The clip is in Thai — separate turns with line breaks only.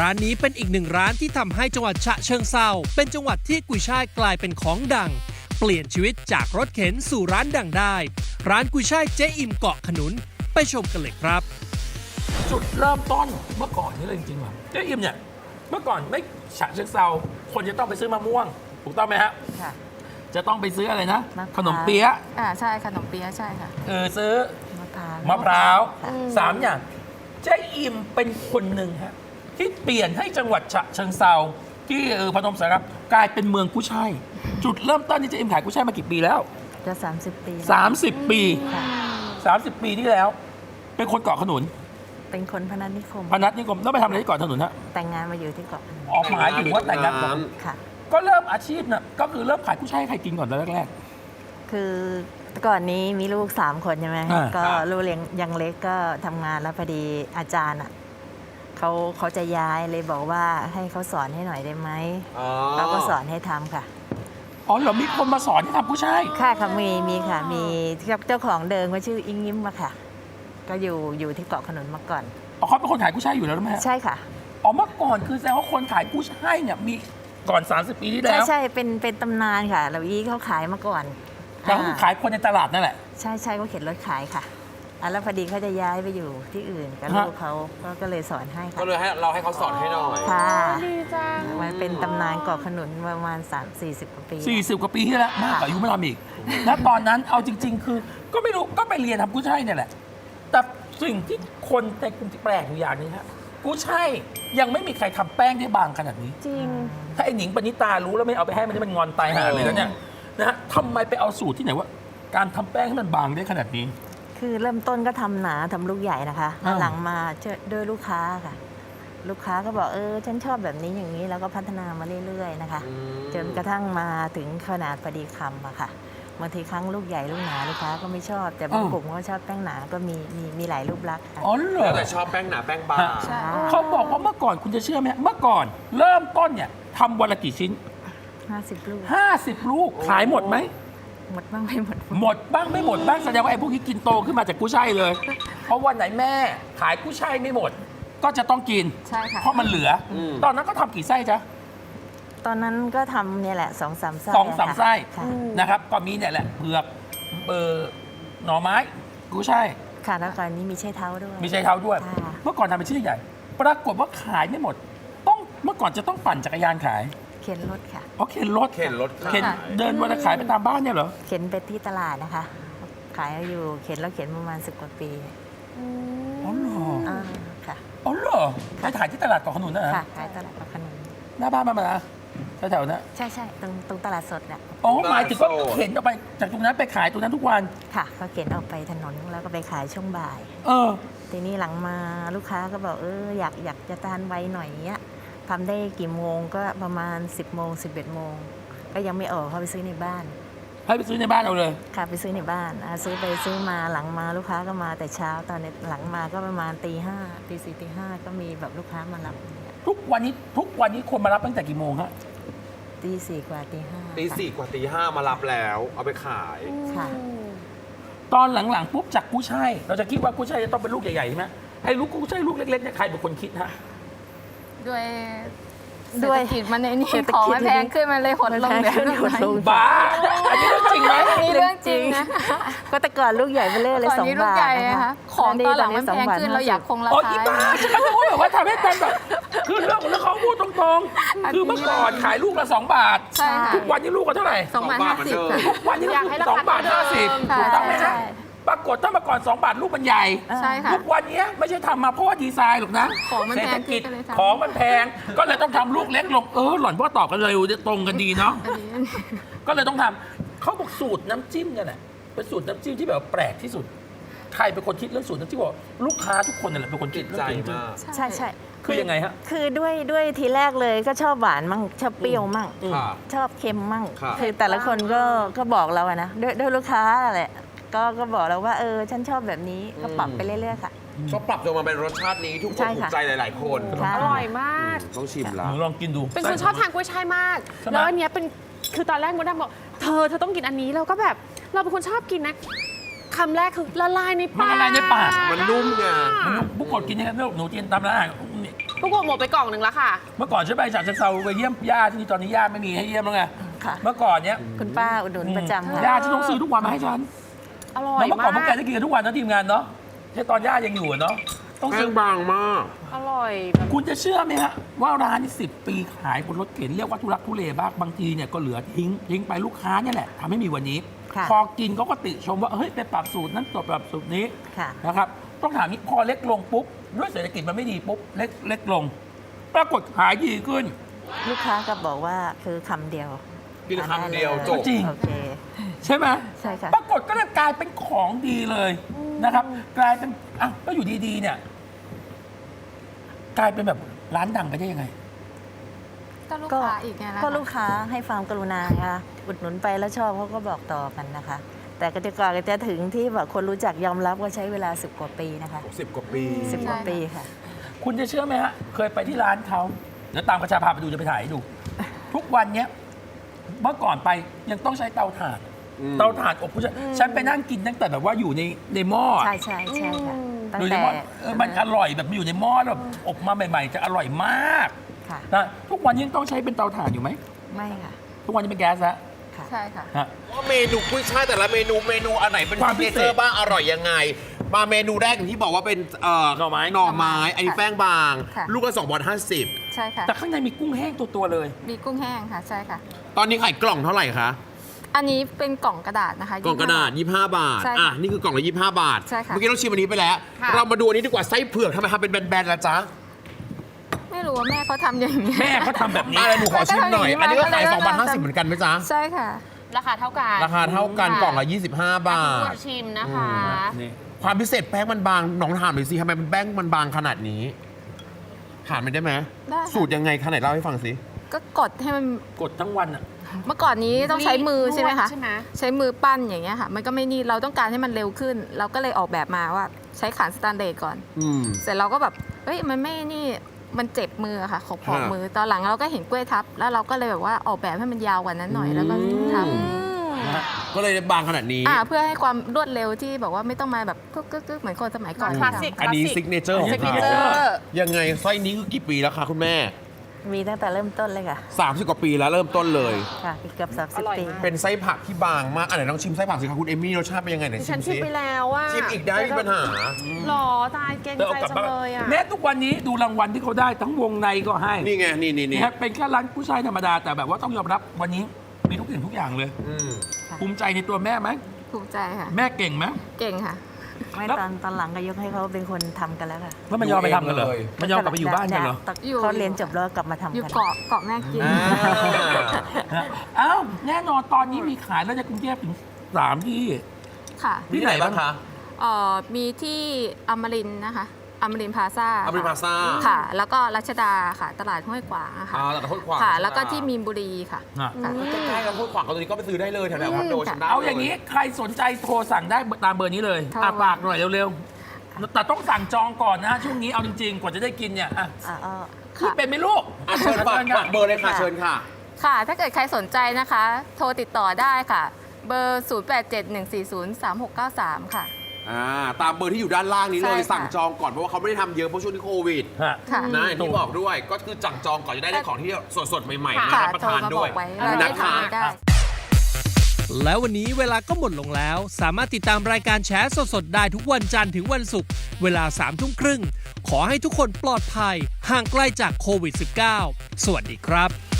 ร้านนี้เป็นอีกหนึ่งร้านที่ทำให้จังหวัดฉะเชิงเทราเป็นจังหวัดที่กุยช่ายกลายเป็นของดังเปลี่ยนชีวิตจากรถเข็นสู่ร้านดังได้ร้านกุยช่ายเจ๊อิ่มเกาะขนุนไปชมกันเลยครับจุดเริ่มต้นเมื่อก่อนนี่เลยจริงๆว่ะเจ๊อิ่มเนี่ยเมื่อก่อนไม่ฉะเชิงเทราคนจะต้องไปซื้อมะม่วงถูกต้องไหมฮะ
ค่ะ
จะต้องไปซื้ออะไรนะ
มะพร้าว
ขนมเปี๊ยะ
ใช่ขนมเปี๊ยะใช่ค่ะ
ซื้อ
มะพร้าว
มะพร้าว
ค่ะ
3 อย่างเจ๊อิ่มเป็นคนหนึ่งฮะที่เปลี่ยนให้จังหวัดฉะเชิงเทราที่พนมสารคามกลายเป็นเมืองกุ้ยช่ายจุดเริ่มต้นที่เจ๊อิ่มขายกุ้ยช่ายมากี่ปีแล้ว
จะ30 ปี
30 ปี
ค่ะ
30 ปีที่แล้ว เป็นคนเกาะขนุน
เป็นคนพนัสนิคม
พนัสนิคมแล้วไปทำอะไรที่เกาะขนุนฮะ
แต่งงานมาอยู่ที่เกาะพนัส
ออกหมายถึงว่าแต่งงานก่อน
ค่ะ
ก็เริ่มอาชีพน่ะก็คือเริ่มขายกุ้ยช่ายให้ใครกินก่อนตอนแรก
คือก่อนนี้มีลูก3 คนใช่ไหม
อ่า
ก็ลูกเลี้ยงยังเล็กก็ทำงานแล้วพอดีอาจารย์อ่ะเขาจะย้ายเลยบอกว่าให้เขาสอนให้หน่อยได้ไหมเขาก็สอนให้ทำค่ะ
อ๋อเหรอมีคนมาสอนให้ทำกุ้ยช่าย
ค่ะค่ะมีค่ะมีเจ้าของเดิมก็ชื่ออิงยิ้มอะค่ะ ก็อยู่ที่เกาะขนุนมาก่อน
อ๋อเขาเป็นคนขายกุ้ยช่ายอยู่แล้วใช่ไหมฮะ
ใช่ค่ะ
อ๋อเมื่อก่อนคือแสดงว่าคนขายกุ้ยช่ายเนี่ยมีก่อน 30 ปีที่แล้ว
ใช่เป็นตำนานค่ะเราอีเขาขายมาก่อน
แล้วคือขายคนในตลาดนั่นแหละ
ใช่เขาเข็นรถขายค่ะแล้วพอดีเขาจะย้ายไปอยู่ที่อื่นกับ
ฮะ
ลูกเขาก็เลยสอนให้ค่ะ
ก็เลยให้เราให้เขาสอนให้หน่อย
ค่ะ
ดีจัง
มันเป็นตำนานเกาะขนุนประมาณ40 กว่าปี
40 กว่าปีที่แล้วมากกว่าอายุไม่ทำอีกนะตอนนั้นเอาจริง ๆ คือก็ไม่รู้ก็ไปเรียนทำกุ้ยช่ายเนี่ยแหละ แต่สิ่งที่คนในกลุ่มที่แปลกอยู่อย่างหนึงฮะกุ้ยช่ายยังไม่มีใครทำแป้งได้บางขนาดนี้
จริง
ถ้าไอ้หนิงปณิตารู้แล้วไม่เอาไปให้มันนี่มันงอนตายห่าเลยนะเนี่ยนะฮะทำไมไปเอาสูตรที่ไหนว่า การทำแป้งให้มันบางได้ขนาดนี้
คือเริ่มต้นก็ทำหนาทำลูกใหญ่นะคะ
อ้าว
หลังมาด้วยลูกค้าค่ะ ลูกค้าก็บอกฉันชอบแบบนี้อย่างนี้แล้วก็พัฒนามาเรื่อยๆนะคะจนกระทั่งมาถึงขนาดพอดีคำอะค่ะบางทีครั้งลูกใหญ่ลูกหนาลูกค้าก็ไม่ชอบ แต่บางกลุ่มก็ชอบแป้งหนาก็มีหลายรูปลักษณ์ค่ะ
อ๋อเหร
แล้
อ
วแต่ชอบแป้งหนาแป้งบาง
ใช่
เขาบอกว่าเมื่อก่อนคุณจะเชื่อไหมเมื่อก่อนเริ่มต้นเนี่ยทำวันละกี่ชิ้น
50 ลูก
50 ลูกขายหมดไหม
หมดบ้างไม่หมด
หมดบ้างไม่หมดบ้างแสดงว่าไอ้พวกนี้กินโตขึ้นมาจากกุ้ยช่ายเลย เพราะวันไหนแม่ขายกุ้ยช่ายไม่หมด ก็จะต้องกิน
ใช่ค่ะ
เพราะมันเหลืออ
ม
ตอนนั้นก็ทำกี่ไส้จ๊ะ
ตอนนั้นก็ทำเนี่ยแหละ2-3 ไส้
2-3 ไส้
ค่ะ
นะครับ ก็มีเนี่ยแหละเผือกหน่อไม้กุ้ยช่าย
ค่ะแล้วก่อนนี้มีใช้เท้าด้วย
มีใช้เท้าด้วย
ค่ะ
เมื่อก่อนทำเป็นชิ้นใหญ่ปรากฏว่าขายไม่หมดต้องเมื่อก่อนจะต้องปั่นจักรยานขาย
เข็นรถค่ะ
อ๋อเข็นรถ
เข็นรถขาย
เข็นเดินวันละขายไปตามบ้านเนี่ยเหรอ
เข็นไปที่ตลาดนะคะ ขายอยู่เข็นแล้วเข็นประมาณ10 กว่าปี
อ๋อเหรอ
ค่ะ
อ๋อเหรอไปขายที่ตลาดเกาะขนุนนะ
ค่ะขายตลาดเกาะขนุน
หน้าบ้านมานะแถวๆนั้น
ใช่ตรงตลาดสดเนี่ย
อ๋อหมายถึงว่าเข็นออกไปจากตรงนั้นไปขายตรงนั้นทุกวัน
ค่ะก็เข็นออกไปถนนแล้วก็ไปขายช่วงบ่าย
เออ
ทีนี้หลังมาลูกค้าก็บอกอยากจะทานไวหน่อยเนี้ยทำได้กี่โมงก็ประมาณ 10 โมง 11 โมง ก็ยังไม่ออกเขาไปซื้อในบ้าน
ให้ไปซื้อในบ้านเอาเลย
ค่ะไปซื้อในบ้านซื้อไปซื้อมาหลังมาลูกค้าก็มาแต่เช้าตอนนี้หลังมาก็ประมาณตี 5 ตี 4 ตี 5ก็มีแบบลูกค้ามารับ
ทุกวันนี้คนมารับตั้งแต่กี่โมงฮะ
ตี 4 กว่าตี 5
ตีสี่กว่าตีห้ามารับแล้ว เอาไปขาย
ค่ะ
ตอนหลังๆปุ๊บจากกุ้ยช่ายเราจะคิดว่ากุ้ยช่ายจะต้องเป็นลูกใหญ่ๆใช่ไหมไอ้ลูกกุ้ยช่ายลูกเล็กๆเนี่ยใครเป็นคนคิดฮะ
ด้วย
ด้
เศร
วย
ษฐกิจมันในนี่
เศรษฐ
ของ
กิจ
มันแพงขึ้นมันเลยหดลง
มันแพงขึ้นหดลง
บ้าอันนี้เรื่องจริงไหม
อันนี้เรื่องจริงนะ
ก็แต่ก่อนลูกใหญ่ไปเรื่อยเลย
ก่อน
2
นี้ลูก
บาท
ใหญ่
นะ
นะคะ คะของตอนหลังมันแพงขึ้นเราอยากคงรา
อ๋อ
คา
อีบ้าฉันก็รู้แบบว่าทำให้กันแบบคือเรื่องของเขาพูดตรงๆคือเมื่อก่อนขายลูกละ2 บาท
ใช่ค่ะ
ทุกวันนี้ลูกก็เท่าไหร่
2,050 ค่ะ
ทุกวันนี้
อยากให้รา
2
คา
บาท
เท่าเดิม
50
ค่ะ
ถูกต้องไหม
ใช่
ฮะปรากฏถ้าเมื่อก่อน2 บาทลูกมันใหญ่
ใช่ค่ะ
ทุกวันนี้ไม่ใช่ทำมาเพราะว่าดีไซน์หรอกนะ
ของมัน
เศร
แพ
ษฐ
ง
กิจ
ขึ้นก็เลยทำ
ของมันแพงก็เลยต้องทำลูกเล็กลงหล่อนว่าตอบกันเร็วตรงกันดีเนาะ
อันนี้
ก็เลยต้องทำเขาบอกสูตรน้ำจิ้มเนี่ยแหละเป็นสูตรน้ำจิ้มที่แบบแปลกที่สุด ใครเป็นคนคิดเรื่องสูตรน้ำจิ้มบอกลูกค้าทุกคนนั่นแหละเป็นคนคิ
ติ
ด
ด
เรื่อ
ใจ
งสูตรน้ำจิ้ม
มาก
ใช่
คือยังไงฮะ
คือด้วยทีแรกเลยก็ชอบหวานมั่งชอบเปรี้ยวมั่ง
ค่ะ
ชอบเค็มมั่ง
ครับ
คือแต่ละคนก็บอกเราอะนะด้วยลูกค้าแหละก็บอกเราว่าฉันชอบแบบนี้ก็ปรับไปเรื่อยๆค่ะ
ก็ปรับจนมาเป็นรสชาตินี้ทุกค
ใช่
นถู
ค่ะ
กใจหลาย ๆ คน
ใช่
อร่อยมาก
ต้องชิม
ห
ละ
นูลองกินดู
เป็นคนชอบทานกุ้ยช่ายมาก
ใช่ไหม
แล้วอันเนี้ยเป็นคือตอนแรกมดดำบอกเธอต้องกินอันนี้เราก็แบบเราเป็นคนชอบกินนะคำแรกคือละลายในปาก
มันละลายในปาก
มันนุ่มไง
มันบุกกดกินยังไงไม่รู้หนูกินตามร้านอาหารนี่
พวกกูหมดไปกล่องหนึ่งแล้วค่ะ
เมื่อก่อนฉันไปฉะเชิงเทราไปเยี่ยมญาติที่นี่ตอนนี้ญาติไม่มีให้เยี่ยมแล้วไง
ค่ะ
เมื่อก่อนเนี้ย
คุณป้าอุดหนุนประจำค่ะ
ญาติฉันต้องซื้อทุกวันมาให้ฉัน
อร่อ
แล้
ยว
เมื่อก่อนพว
มาก
แกได้กินกันทุกวันนะทีมงานเนาะแค่ตอนญาติยังอยู่อะเนาะต้อง
แป้
ซื้อง
บางมาก
อร่อยแบบ
คุณจะเชื่อไหมฮะว่าร้านนี้10 ปีขายบนรถเข็นเรียกว่าทุรักทุเลบ้างบางทีเนี่ยก็เหลือทิ้งไปลูกค้าเนี่ยแหละทำให้มีวันนี้
ค่ะ
พอกินเขาก็ติชมว่าเฮ้ยไปปรับสูตรนั้นปรับสูตรนี้
ค่ะ
นะครับต้องถามนี้พอเล็กลงปุ๊บด้วยเศรษฐกิจมันไม่ดีปุ๊บเล็กลง ปรากฏขายดีขึ้น
ลูกค้าก็บอกว่าคือคำเดียว
กินคำเดียวจบ
จริง
โอเค
ใช่ไหม
ใช่ค่ะ
ปรากฏก็เลยกลายเป็นของดีเลยนะครับ กลายเป็นอ่ะก็อยู่ดีๆเนี่ยกลายเป็นแบบร้านดังไปได้ยังไง
ก็ลูก
ก็
ค้าอีกไงล่ะ
ก็ลูกค้าให้ความกรุณาค่ะอุดหนุนไปแล้วชอบเขาก็บอกต่อกันนะคะ แต่ก็จะกว่าจะถึงที่แบบคนรู้จักยอมรับก็ใช้เวลา10 กว่าปีนะคะ
10 กว่าปี
10 กว่าปีค่ะ
คุณจะเชื่อไหมฮะ เคยไปที่ร้านเขาแล้วตามกระชาพาไปดูจะไปถ่ายให้ดู ทุกวันเนี้ยเมื่อก่อนไปยังต้องใช้เตาถ่าน เตาถ่านอบผู้ชายฉันไปนั่งกินตั้งแต่แบบว่าอยู่ในหม้อ
ใช่ใช่ใช่ค่ะตั้ง
อยู่ใน
แต่
หม้อมันอร่อยแบบมันอยู่ในหม้อแล้วแบบอบมาใหม่ ๆ จะอร่อยมาก
ค่ะ
นะทุกวันนี้ยังต้องใช้เป็นเตาถ่านอยู่ไหม
ไม่ค่ะ
ทุกวันนี้เป็นแก๊สแล้ว
ค่ะ
ใช่ค่ะ
ฮะ
ว่าเมนูกุ้ยช่ายแต่ละเมนูอันไหนเป็น
ความพิ
ซิก
เศษ
เนเจอร์บ้างอร่อยยังไง มาเมนูแรกอย่างที่บอกว่าเป็น
หน่อไม้
อันนี้แป้งบาง
ค่ะ
ลูกละ2.50
ใช่ค่ะ
แต่ข้างในมีกุ้งแห้งตัวๆเลย
มีกุ้งแห้งค่ะ ใช่ค่ะ
ตอนนี้ขายกล่องเท่าไหร่คะ
อันนี้เป็นกล่องกระดาษนะคะ
กล่องกระดาษ 25 บาท
ใช่ค่ะ
อ่ะนี่คือกล่องละ25 บาท
ใช่ค่ะ
เมื่อกี้เราชิมอันนี้ไปแล้ว
ค่ะ
เรามาดูอันนี้ดีกว่าไส้เผือกทำไมทำเป็นแบนๆล่ะจ๊ะ
ไม่รู้ว่าแม่เขาทำอย่างนี้
แม่เขาทำแบบนี้
อะไรหนูขอชิมหน่อย อันนี้ก็ขาย
ก็เลย
2.50เหมือนกันไหมจ๊ะ
ใช่ค่ะ
ราคาเท่ากัน
ราคาเท่ากัน
ค่ะ
กล่องละ25 บา
คุณ
ท
ผู้ชิมนะคะ
นี่
ความพิเศษแป้งมันบางน้องถามหน่อยสิทำไมมันแป้งมันบางขนาดนี้ถามมันได้ไหม
ได้ค่ะ
สูตรยังไงขนาดเล่าให้ฟังสิ
ก็กดให้มัน
กดทั้งวันอ่ะ
เมื่อก่อนนี้ต้องใช้มือใช่ไหมคะ
ใช่ไหม
ใช้มือปั้นอย่างเงี้ยค่ะ มันก็ไม่นี่เราต้องการให้มันเร็วขึ้น เราก็เลยออกแบบมาว่าใช้ขานสแตนเดร์ดก่อน
อืม
เสร็จเราก็แบบเอ้ยมันไม่นี่มันเจ็บมืออะค่ะ ขอบ
ฮะ
มือตอนหลังเราก็เห็นกล้วยทับ แล้วเราก็เลยแบบว่าออกแบบให้มันยาวกว่านั้นหน่อยแล้วก็ทำ
ก็เลยบางขนาดนี้
เพื่อให้ความรวดเร็วที่แบบว่าไม่ต้องมาแบบกึกๆเหมือนคนสมัยก่อน
คลาสสิก
อันนี้ซิกเนเจอร์ของ
ซิกเน
เขา
เจอร์
ยังไงไส้นี้คือกี่ปีแล้วคะคุณแม่
มีตั้งแต่เริ่มต้นเลยค่ะ
30 กว่าปีแล้วเริ่มต้นเลย
ค่ะเกือบ
อร่อย
30 ปี
มาก
เป็นไส้ผักที่บางมากอันไหนลองชิมไส้ผักสิคะคุณเอมมี่รสชาติเป็นยังไงไหน
ดิ
ชิ
ฉัน
ม
ชิ
สิ
มไปแล้วอ่ะ
ชิมอีกได้ไม่มีปัญหา
หรอตายเก่ง
เดี๋ยว
ใจ
เอากลับ
จัง
บ้าน
เลยอ่ะ
แม้ทุกวันนี้ดูรางวัลที่เขาได้ทั้งวงในก็ให้
นี่ไงนี่
นะครับเป็นแค่ร้านผู้ชายธรรมดาแต่แบบว่าต้องยอมรับวันนี้มีทุกสิ่งทุกอย่างเลย
อืม
ภูมิใจในตัวแม่ไหม
ภูมิใจค่ะ
แม่เก่งไหม
เก่งค่ะ
ไม่
แล้ว
ตอนหลังก็ยกให้เขาเป็นคนทำกันแล้วค่ะ
แล้วมันยอมไปทำกันเหรอมันยอมกลับไปอยู่บ้านกันเหรอ
อยู่
เขาเรียนจบแล้วกลับมาทำ
อยู่
กัน
เกาะแม่กิน
อ่า
เอ้าแน่นอนตอนนี้มีขายแล้วในกรุงเทพถึง3 ที่
ค่ะ
ที่ไหนบ้างคะ
มีที่อมรินทร์นะคะอมรินทร์พลาซ่า
อมรินทร์พลาซ่า
ค่ะ แล้วก็รัชดาค่ะ ตลาดห้วยขวางอะค่ะ
แต่ห้วยขวาง
ค่ะ แล้วก็ที่มีนบุรีค่ะ
อ่ะ
ค่ะ
ใกล้ๆกับห้วยขวางก็ตรงนี้ก็ไปซื้อได้เลยแถวๆคอนโดฉันได้
เอาอย่างนี้ใครสนใจโทรสั่งได้ตามเบอร์นี้เลย
โทร
ฝากหน่อยเร็วๆแต่ต้องสั่งจองก่อนนะช่วงนี้เอาจริงๆกว่าจะได้กินเนี่ยอ่ะ
อ๋อ
พูดเป็นไหมลูก
อ่ะเชิญฝากเบอร์เลยค่ะเชิญค่ะ
ค่ะ ถ้าเกิดใครสนใจนะคะ โทรติดต่อได้ค่ะ เบอร์ 0871403693 ค่ะ
ตามเบอร์ที่อยู่ด้านล่างนี้เลย
ใช่ค่ะ
สั่งจองก่อนเพราะว่าเขาไม่ได้ทำเยอะเพราะช่วงนี้โควิด
ฮะ
ค่ะ
นะอย่างที่บอกด้วยก็คือสั่งจองก่อนจะได้ของที่สดๆใหม่ๆมา
ค่ะ
รับประ
โทร
ทาน
มาบ
ด้
อ
วย
กไว้เราได้
นะ
ทำ
คะ
ให้ได้
แล้ววันนี้เวลาก็หมดลงแล้ว สามารถติดตามรายการแชร์สดๆได้ทุกวันจันทร์ถึงวันศุกร์เวลา 3:30 ขอให้ทุกคนปลอดภัยห่างไกลจากโควิด -19 สวัสดีครับ